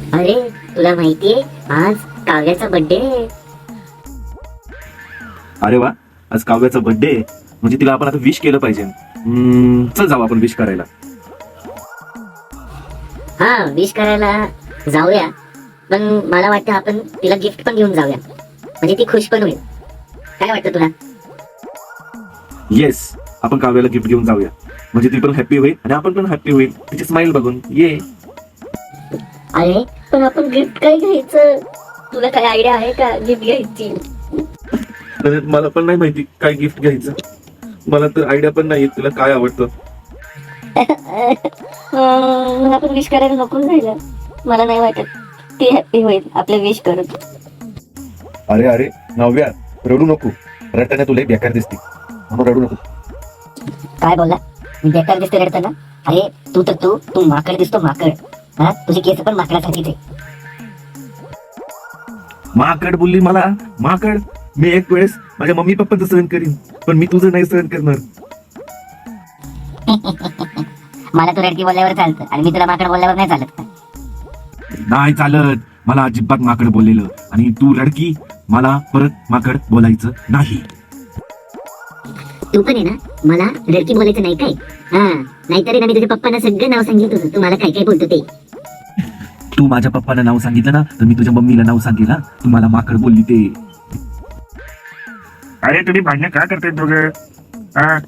अरे तुला माहितीये आज काव्याचा बर्थडे आहे. अरे वा, आज काव्याचा बर्थडे म्हणजे तिला आपण आता विश केलं पाहिजे. चल जाऊ आपण विश करायला. हा विश करायला जाऊया, पण मला वाटतं आपण तिला गिफ्ट पण घेऊन जाऊया, म्हणजे ती खुश पण होईल. काय वाटतं तुला? येस, आपण काव्याला गिफ्ट घेऊन जाऊया, म्हणजे ती पण हॅप्पी होईल आणि आपण पण हॅप्पी होईल तिची स्माइल बघून. ये. अरे पण आपण गिफ्ट काय घ्यायचं? तुला काय आयडिया आहे का गिफ्ट घ्यायची? तर मला पण नाही माहिती काय गिफ्ट घ्यायचं. मला तर आयडिया पण नाही तुला काय आवडतं. आपण विश करायला नको जायला. मला नाही वाटत ती हॅप्पी होईल आपलं विश करून. अरे अरे नव्या, रडू नको. रडताना तुला बेकार दिसते म्हणून रडू नको. काय बोलला? मी बेकार दिसते रडताना? अरे तू माकड दिसतो, माकड. हा, तुझी केस पण माकडासारखीच आहे. माकड बोलली मला? माकड? मी एक वेळेस माझ्या मम्मी पप्पांचं सहन करीन, पण मी तुझं नाही सहन करणार. मला तू रडकी बोलल्यावर चालतं आणि मी तुला माकड बोलल्यावर नाही चालत का? नाही चालत. मला अजिबात माकड बोललेलं आणि तू रडकी, मला परत माकड बोलायचं नाही. तू पण आहे ना, मला रडकी बोलायचं नाही काय? हा, नाहीतरी ना मी तुझ्या पप्पांना सगळं नाव सांगितलं होतं, तू मला काय काय बोलतो ते. तू माझ्या पप्पाला नाव सांगितलं ना, तर मी तुझ्या मम्मीला नाव सांगेल ना तू मला माकड बोलली ते. अरे तुम्ही भांडणं का करताय दोघं? हा?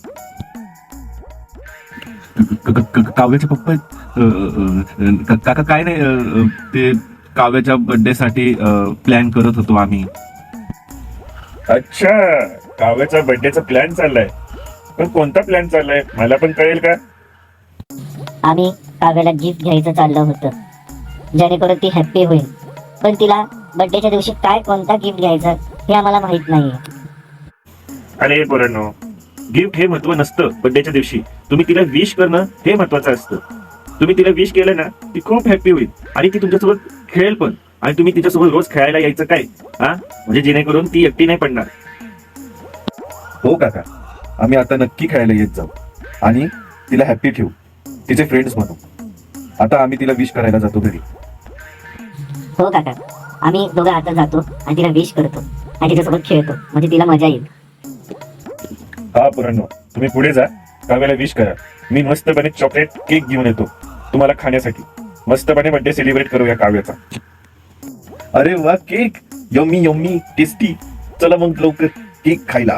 काव्याचे पप्पा काका काय नाही, ते काव्याच्या बर्थडे साठी प्लॅन करत होतो आम्ही. अच्छा, काव्याचा बर्थडेचा प्लॅन चाललाय. पण कोणता प्लॅन चाललाय मला पण कळेल का? आम्ही काव्याला गिफ्ट घ्यायचं चाललं होतं, जेणेकरून ती हॅप्पी होईल. पण तिला बर्थडेच्या दिवशी काय कोणता गिफ्ट घ्यायचा हे आम्हाला माहित नाहीये. अरे पोरांनो, गिफ्ट हे महत्व नसतं. बर्थडेच्या दिवशी तुम्ही तिला विश करणं हे महत्वाचं असतं. तुम्ही तिला विश केलं ना, ती खूप हॅप्पी होईल आणि ती तुमच्यासोबत खेळेल पण. आणि तुम्ही तिच्यासोबत रोज खेळायला यायचं काय, हा, म्हणजे जेणेकरून ती एकटी नाही पडणार. हो काका, आम्ही आता नक्की खेळायला येत जाऊ आणि तिला हॅप्पी ठेवू, तिचे फ्रेंड्स म्हणू. आता आम्ही तिला विश करायला जातो घरी. हो काका, आम्ही दोघं आता जातो आणि तिला विश करतो आणि तिच्यासोबत खेळतो, म्हणजे तिला मजा येईल. हा पोरांनो, तुम्ही पुढे जा, काव्याला विश करा. मी मस्तपणे चॉकलेट केक घेऊन येतो तुम्हाला खाण्यासाठी. मस्तपणे बर्थडे सेलिब्रेट करूया काव्याचा. अरे वा, केक यम्मी यम्मी टेस्टी. चला मग लवकर केक खायला.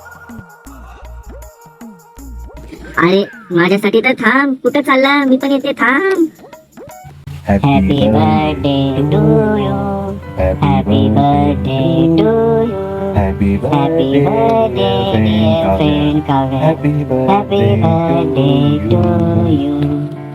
अरे माझ्यासाठी तर थांब, कुठं चालला? मी पण येते, थांब. Happy birthday to you, happy birthday to you, happy happy birthday dear friend Kavya, happy birthday to you.